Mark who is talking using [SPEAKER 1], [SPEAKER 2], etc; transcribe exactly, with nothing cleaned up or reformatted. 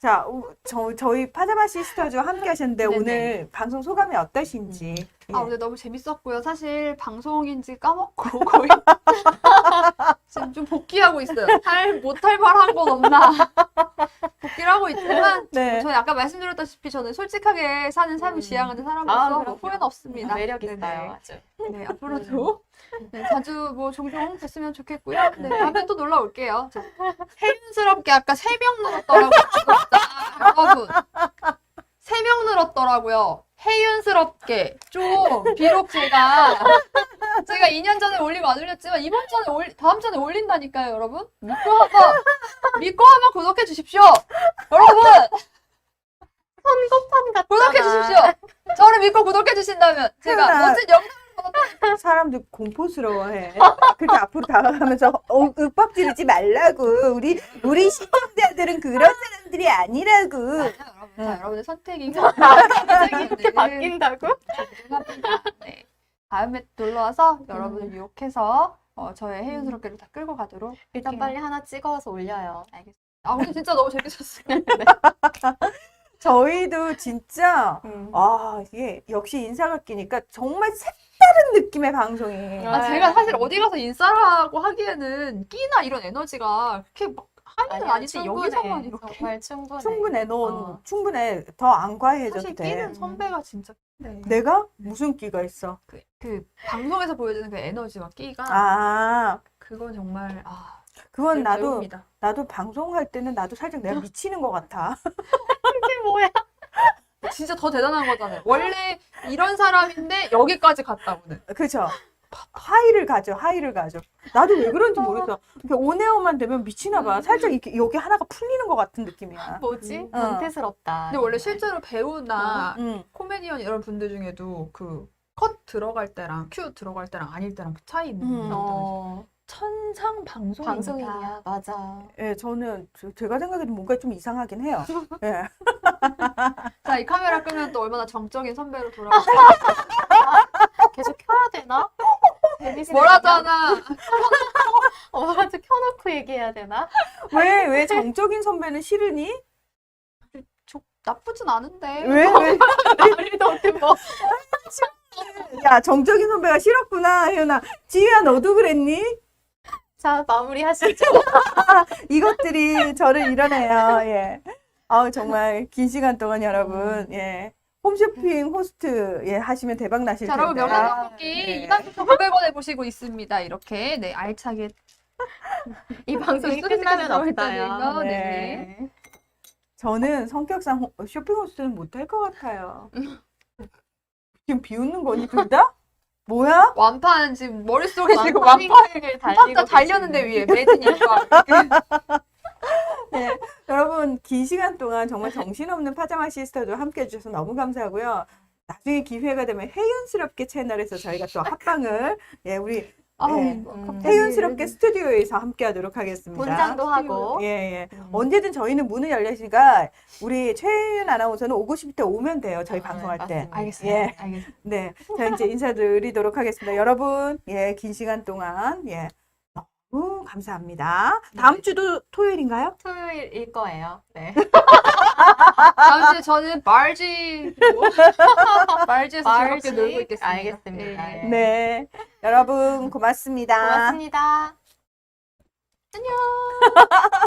[SPEAKER 1] 자, 우- 저, 저희 파자마 시스터즈와 함께 하셨는데
[SPEAKER 2] 네네.
[SPEAKER 1] 오늘 방송 소감이 어떠신지. 예.
[SPEAKER 2] 아, 오늘 너무 재밌었고요. 사실 방송인지 까먹고 거의 지금 좀 복귀하고 있어요. 할, 못할 말 한 건 없나. 복귀를 하고 있지만
[SPEAKER 1] 네.
[SPEAKER 2] 저는 아까 말씀드렸다시피 저는 솔직하게 사는 삶을
[SPEAKER 3] 음.
[SPEAKER 2] 지향하는
[SPEAKER 3] 아,
[SPEAKER 2] 사람으로서 뭐
[SPEAKER 3] 그럼요.
[SPEAKER 2] 후회는 없습니다.
[SPEAKER 3] 매력
[SPEAKER 2] 네네.
[SPEAKER 3] 있어요, 아주.
[SPEAKER 2] 네, 앞으로도 네, 자주 뭐 종종 뵀으면 좋겠고요. 네, 다음에 또 놀러 올게요. 자, 혜윤스럽게 아까 세 명 늘었더라고요. 진짜. 여러분. 세 명 늘었더라고요. 혜윤스럽게. 좀, 비록 제가, 제가 이 년 전에 올리고 안 올렸지만, 이번 전에 올, 다음 전에 올린다니까요, 여러분. 믿고 한번, 믿고 한번 구독해 주십시오. 여러분!
[SPEAKER 3] 선거판 같다.
[SPEAKER 2] 구독해 주십시오. 저를 믿고 구독해 주신다면, 제가
[SPEAKER 1] 혜윤아.
[SPEAKER 2] 멋진 영상
[SPEAKER 1] 사람들 공포스러워해. 그렇게 앞으로 다가가면서 어, 윽박 지르지 말라고. 우리 우리 시청자들은 그런 사람들이 아니라고.
[SPEAKER 2] 여러분,
[SPEAKER 1] 응.
[SPEAKER 2] 다 여러분의 선택이고
[SPEAKER 3] 이렇게 바뀐다고?
[SPEAKER 2] 네. 다음에 놀러 와서 여러분을 유혹해서 어, 저의 혜윤스럽게를 다 끌고 가도록
[SPEAKER 3] 일단
[SPEAKER 2] 할게요.
[SPEAKER 3] 빨리 하나 찍어서 올려요.
[SPEAKER 2] 알겠습니다. 아 오늘 진짜 너무 재밌었어요.
[SPEAKER 1] 저희도 진짜
[SPEAKER 3] 음.
[SPEAKER 1] 아 이게 역시 인사가 끼니까 정말 색다른 느낌의 방송이.
[SPEAKER 2] 아, 제가 사실 어디 가서 인싸라고 하기에는 끼나 이런 에너지가 그렇게 막 하는
[SPEAKER 3] 아니야,
[SPEAKER 2] 아닌데
[SPEAKER 3] 충분해.
[SPEAKER 2] 여기서만 이렇게
[SPEAKER 3] 정말 충분해.
[SPEAKER 1] 충분해. 넌
[SPEAKER 3] 어.
[SPEAKER 1] 충분해. 더 안 과해져도
[SPEAKER 2] 사실
[SPEAKER 1] 돼.
[SPEAKER 2] 끼는 선배가 진짜 네.
[SPEAKER 1] 내가 무슨 끼가 있어?
[SPEAKER 2] 그, 그 방송에서 보여주는 그 에너지와 끼가
[SPEAKER 1] 아
[SPEAKER 2] 그건 정말 아
[SPEAKER 1] 그건 나도
[SPEAKER 2] 배웁니다.
[SPEAKER 1] 나도 방송할 때는 나도 살짝 내가 미치는 것 같아.
[SPEAKER 3] 이게 뭐야?
[SPEAKER 2] 진짜 더 대단한 거잖아요. 원래 이런 사람인데 여기까지 갔다고는.
[SPEAKER 1] 그죠? 하이를 가죠, 하이를 가죠. 나도 왜 그런지 모르겠어. 이렇게 온에어만 되면 미치나 봐. 살짝 이렇게 여기 하나가 풀리는 것 같은 느낌이야.
[SPEAKER 3] 뭐지?
[SPEAKER 2] 음.
[SPEAKER 3] 변태스럽다.
[SPEAKER 2] 근데 원래
[SPEAKER 3] 정말.
[SPEAKER 2] 실제로 배우나
[SPEAKER 1] 응.
[SPEAKER 2] 코미디언 이런 분들 중에도 그 컷 들어갈 때랑 큐 들어갈 때랑 아닐 때랑 그 차이 있는
[SPEAKER 1] 음.
[SPEAKER 2] 분들
[SPEAKER 3] 어,
[SPEAKER 2] 천상 방송인이다.
[SPEAKER 3] 방송인이야. 맞아.
[SPEAKER 1] 예, 저는 저- 제가 생각해도 뭔가 좀 이상하긴 해요. 예.
[SPEAKER 2] 자, 이 카메라 끄면 또 얼마나 정적인 선배로 돌아가.
[SPEAKER 3] 계속 켜야 되나? 재밌으려나?
[SPEAKER 2] 뭐라잖아.
[SPEAKER 3] 어, 아주 켜놓고 얘기해야 되나?
[SPEAKER 1] 왜, 왜 정적인 선배는 싫으니?
[SPEAKER 2] 저 나쁘진 않은데.
[SPEAKER 1] 왜, 왜?
[SPEAKER 3] 우리도 어떻게 뭐.
[SPEAKER 1] 야, 정적인 선배가 싫었구나, 혜연아. 지희야, 너도 그랬니?
[SPEAKER 3] 자, 마무리 하시죠.
[SPEAKER 1] 이것들이 저를 이뤄내요. 예. 아우, 정말 긴 시간 동안 여러분, 예. 홈쇼핑 호스트, 예, 하시면 대박 나실
[SPEAKER 2] 자,
[SPEAKER 1] 텐데.
[SPEAKER 2] 여러분 명란떡볶이
[SPEAKER 1] 네.
[SPEAKER 2] 이만 구천구백 원에 보시고 있습니다. 이렇게 네 알차게
[SPEAKER 3] 이 방송이
[SPEAKER 2] 소리
[SPEAKER 3] 끝나면
[SPEAKER 2] 들어올
[SPEAKER 3] 없어요.
[SPEAKER 2] 때는요.
[SPEAKER 1] 네.
[SPEAKER 2] 네.
[SPEAKER 1] 저는 성격상 호- 쇼핑 호스트는 못할 것 같아요. 지금 비웃는 거니, 둘 다? 뭐야?
[SPEAKER 2] 완판 지금 머릿속에 지금
[SPEAKER 3] 완판을
[SPEAKER 2] 완판
[SPEAKER 3] 달리고
[SPEAKER 2] 팍 달렸는데
[SPEAKER 3] 계시네.
[SPEAKER 2] 위에 매진이니까.
[SPEAKER 1] 네. 여러분, 긴 시간 동안 정말 정신없는 파자마 시스터도 함께 해주셔서 너무 감사하고요. 나중에 기회가 되면 혜윤스럽게 채널에서 저희가 또 합방을, 예, 우리
[SPEAKER 2] 아우,
[SPEAKER 1] 네.
[SPEAKER 2] 뭐 갑자기
[SPEAKER 1] 혜윤스럽게 스튜디오에서 함께 하도록 하겠습니다.
[SPEAKER 3] 본장도 하고.
[SPEAKER 1] 예, 예.
[SPEAKER 3] 음.
[SPEAKER 1] 언제든 저희는 문을 열려있으니까 우리 최혜윤 아나운서는 오고 싶을 때 오면 돼요. 저희
[SPEAKER 3] 아,
[SPEAKER 1] 방송할 때.
[SPEAKER 3] 맞습니다.
[SPEAKER 2] 알겠습니다.
[SPEAKER 1] 예.
[SPEAKER 2] 알겠습니다.
[SPEAKER 1] 네. 자, 이제 인사드리도록 하겠습니다. 여러분, 예, 긴 시간 동안, 예. 너무 감사합니다. 다음
[SPEAKER 2] 네.
[SPEAKER 1] 주도 토요일인가요?
[SPEAKER 3] 토요일일 거예요. 네.
[SPEAKER 2] 다음 주에 저는 말지 말지에서
[SPEAKER 3] 말지?
[SPEAKER 2] 즐겁게 놀고 있겠습니다.
[SPEAKER 3] 알겠습니다.
[SPEAKER 2] 예.
[SPEAKER 3] 네.
[SPEAKER 1] 네. 여러분, 고맙습니다.
[SPEAKER 3] 고맙습니다.